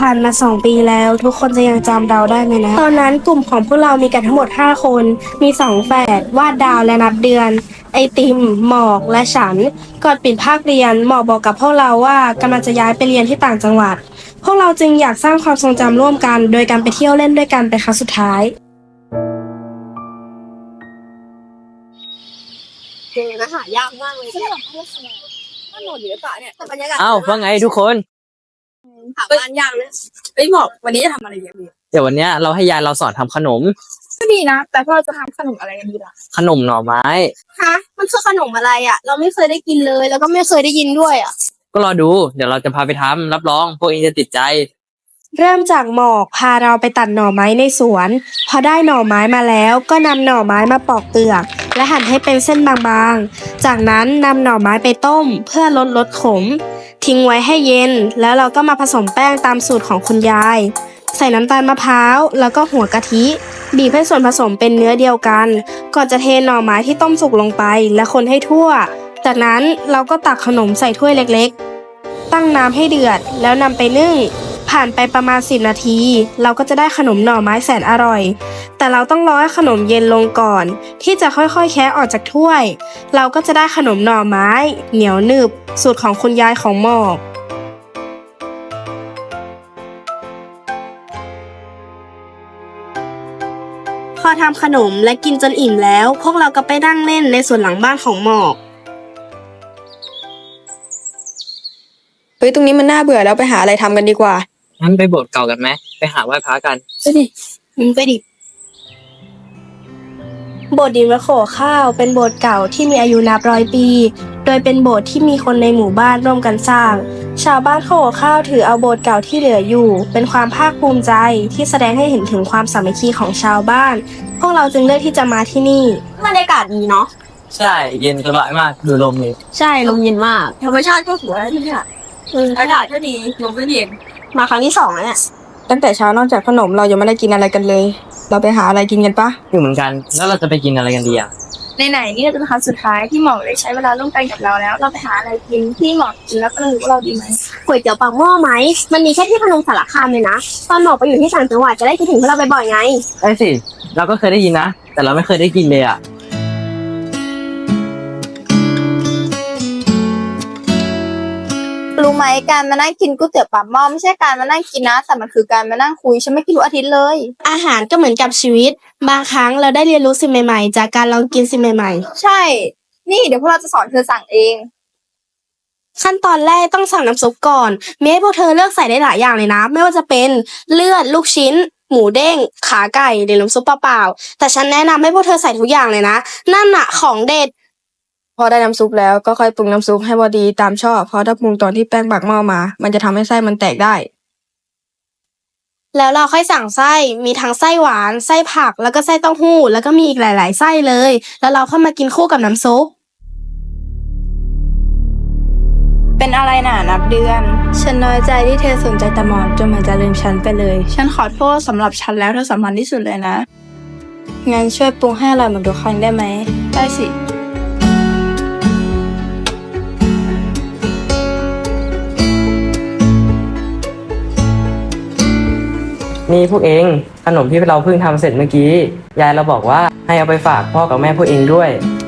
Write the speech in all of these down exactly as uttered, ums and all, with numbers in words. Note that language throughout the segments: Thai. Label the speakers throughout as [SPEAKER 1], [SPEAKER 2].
[SPEAKER 1] ผ่านมาสองปีแล้วทุกคนจะยังจำเราได้ไหมนะตอนนั้นกลุ่มของพวกเรามีกันทั้งหมดห้าคนมีสองแฝดวาดดาวและนับเดือนไอติมหมอกและฉันก่อนปิดภาคเรียนหมอกบอกกับพวกเราว่ากำลังจะย้ายไปเรียนที่ต่างจังหวัดพวกเราจึงอยากสร้างความทรงจำร่วมกันโดยการไปเที่ยวเล่นด้วยกันเป็นครั้งสุดท้าย
[SPEAKER 2] เจอนะหายากมากเลยเนี่ยถนนอยู่หรือเปล่าเนี่ยแต่บรรยากาศ
[SPEAKER 3] อ้าวว่าไงทุกคน
[SPEAKER 2] หาบ้านยากเลยไอ้ยหมอกวันนี้จะทำอะไรกันดี
[SPEAKER 3] เดี๋ยววันเนี้ยเราให้ยายเราสอนทำขนม
[SPEAKER 2] ก็ดีนะแต่พวกเราจะทำขนมอะไรกันดีล่ะ
[SPEAKER 3] ขนมหน่อไม้
[SPEAKER 2] ฮะมันคือขนมอะไรอ่ะ เราไม่เคยได้กินเลยแล้วก็ไม่เคยได้ยินด้วยอ่ะ
[SPEAKER 3] ก็รอดูเดี๋ยวเราจะพาไปทำรับรองพวกเองจะติดใจ
[SPEAKER 1] เริ่มจากหมอกพาเราไปตัดหน่อไม้ในสวนพอได้หน่อไม้มาแล้วก็นำหน่อไม้มาปอกเปลือกและหั่นให้เป็นเส้นบางๆจากนั้นนำหน่อไม้ไปต้มเพื่อลดรสขมทิ้งไว้ให้เย็นแล้วเราก็มาผสมแป้งตามสูตรของคุณยายใส่น้ำตาลมะพร้าวแล้วก็หัวกะทิบีบให้ส่วนผสมเป็นเนื้อเดียวกันก่อนจะเทหน่อไม้ที่ต้มสุกลงไปและคนให้ทั่วจากนั้นเราก็ตักขนมใส่ถ้วยเล็กๆตั้งน้ำให้เดือดแล้วนำไปนึ่งผ่านไปประมาณสิบนาทีเราก็จะได้ขนมหน่อไม้แสนอร่อยแต่เราต้องรอให้ขนมเย็นลงก่อนที่จะค่อยๆแคะออกจากถ้วยเราก็จะได้ขนมหน่อไม้เหนียวหนึบสูตรของคุณยายของหมอกพอทำขนมและกินจนอิ่มแล้วพวกเราก็ไปนั่งเล่นในส่วนหลังบ้านของหมอก
[SPEAKER 4] เฮ้ยตรงนี้มันน่าเบื่อแล้วไปหาอะไรทำกันดีกว่า
[SPEAKER 3] งั้นไปโบสถ์เก่ากันไหมไปหาไหว้พระกัน
[SPEAKER 2] ไปดิมึงไปดิ
[SPEAKER 1] โบสถ์ดินวัดโขข้าวเป็นโบสถ์เก่าที่มีอายุนับร้อยปีโดยเป็นโบสถ์ที่มีคนในหมู่บ้านร่วมกันสร้างชาวบ้านโขข้าวถือเอาโบสถ์เก่าที่เหลืออยู่เป็นความภาคภูมิใจที่แสดงให้เห็นถึงความสามัคคีของชาวบ้านพวกเราจึงเลือกที่จะมาที่นี่
[SPEAKER 2] บรรยากาศดีเนาะ
[SPEAKER 3] ใช่เย็นสบายมากดูลมเลย
[SPEAKER 2] ใช่ลมเย็นมากธรรมชาติก็สวยที่เนี่ยอากาศก็ดีลมก็เย็นมาครั้งที่สองแล้วเนี่ย
[SPEAKER 4] ตั้งแต่เช้านอกจากขนมเรายังไม่ได้กินอะไรกันเลยเราไปหาอะไรกินกันปะ
[SPEAKER 3] อยู่เหมือนกันแล้วเราจะไปกินอะไรกันดีอ่ะ
[SPEAKER 2] ไหนๆนี่จะเป็นครั้งสุดท้ายที่หมอกได้ใช้เวลาร่วมกันกับเราแล้วเราไปหาอะไรกินที่หมอกกินแล้วก็รู้ว่าเราดีไหมก๋วยเตี๋ยวปากหม้อไหมมันมีแค่ที่พนมสารคามเลยนะตอนหมอกไปอยู่ที่ต่างจังหวัดจะได้คิดถึงพวกเราบ่อยๆไง
[SPEAKER 3] ได้สิเราก็เคยได้ยินนะแต่เราไม่เคยได้กินเลยอ่ะ
[SPEAKER 2] รู้ไหมการมานั่งกินก๋วยเตี๋ยวปากหม้อไม่ใช่การมานั่งกินนะแต่มันคือการมานั่งคุยฉันไม่คิดรู้อาทิตย์เลย
[SPEAKER 1] อาหารก็เหมือนกับชีวิตบางครั้งเราได้เรียนรู้สิ่งใหม่ๆจากการลองกินสิ่งใหม่ๆ
[SPEAKER 2] ใช่นี่เดี๋ยวพวกเราจะสอนเธอสั่งเอง
[SPEAKER 1] ขั้นตอนแรกต้องสั่งน้ำซุปก่อนมีให้พวกเธอเลือกใส่ได้หลายอย่างเลยนะไม่ว่าจะเป็นเลือดลูกชิ้นหมูเด้งขาไก่หรือน้ำซุปเปล่าๆแต่ฉันแนะนำให้พวกเธอใส่ทุกอย่างเลยนะนั่นน่ะของเด็ด
[SPEAKER 4] พอได้น้ำซุปแล้วก็ค่อยปรุงน้ำซุปให้พอดีตามชอบเพราะถ้าปรุงตอนที่แป้งบักหม้อมามันจะทำให้ไส้มันแตกได้
[SPEAKER 1] แล้วเราค่อยสั่งไส้มีทั้งไส้หวานไส้ผักแล้วก็ไส้เต้าหู้แล้วก็มีอีกหลายๆไส้เลยแล้วเราค่อยมากินคู่กับน้ำซุป
[SPEAKER 2] เป็นอะไรน่ะนับเดือน
[SPEAKER 4] ฉันน้อยใจที่เธอสนใจแต่หมอนจนเหมือนจะลืมฉันไปเลย
[SPEAKER 2] ฉันขอโทษสำหรับฉันแล้วเธอสำคัญที่สุดเลยนะ
[SPEAKER 4] งั้นช่วยปรุงให้อร่อยเหมือนทุกครั้งได้ไหม
[SPEAKER 2] ได้สิ
[SPEAKER 3] นี่พวกเองขนมที่เราเพิ่งทำเสร็จเมื่อกี้ยายเราบอกว่าให้เอาไปฝากพ่อกับแม่พวกเองด้วย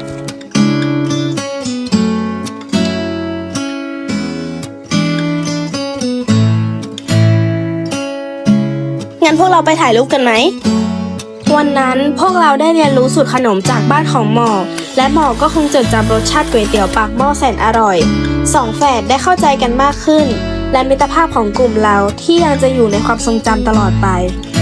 [SPEAKER 1] งั้นพวกเราไปถ่ายรูปกันไหมวันนั้นพวกเราได้เรียนรู้สูตรขนมจากบ้านของหมอกและหมอกก็คงจดจำรสชาติก๋วยเตี๋ยวปากหม้อแสนอร่อยสองแฝดได้เข้าใจกันมากขึ้นและมิตรภาพของกลุ่มเราที่ยังจะอยู่ในความทรงจำตลอดไป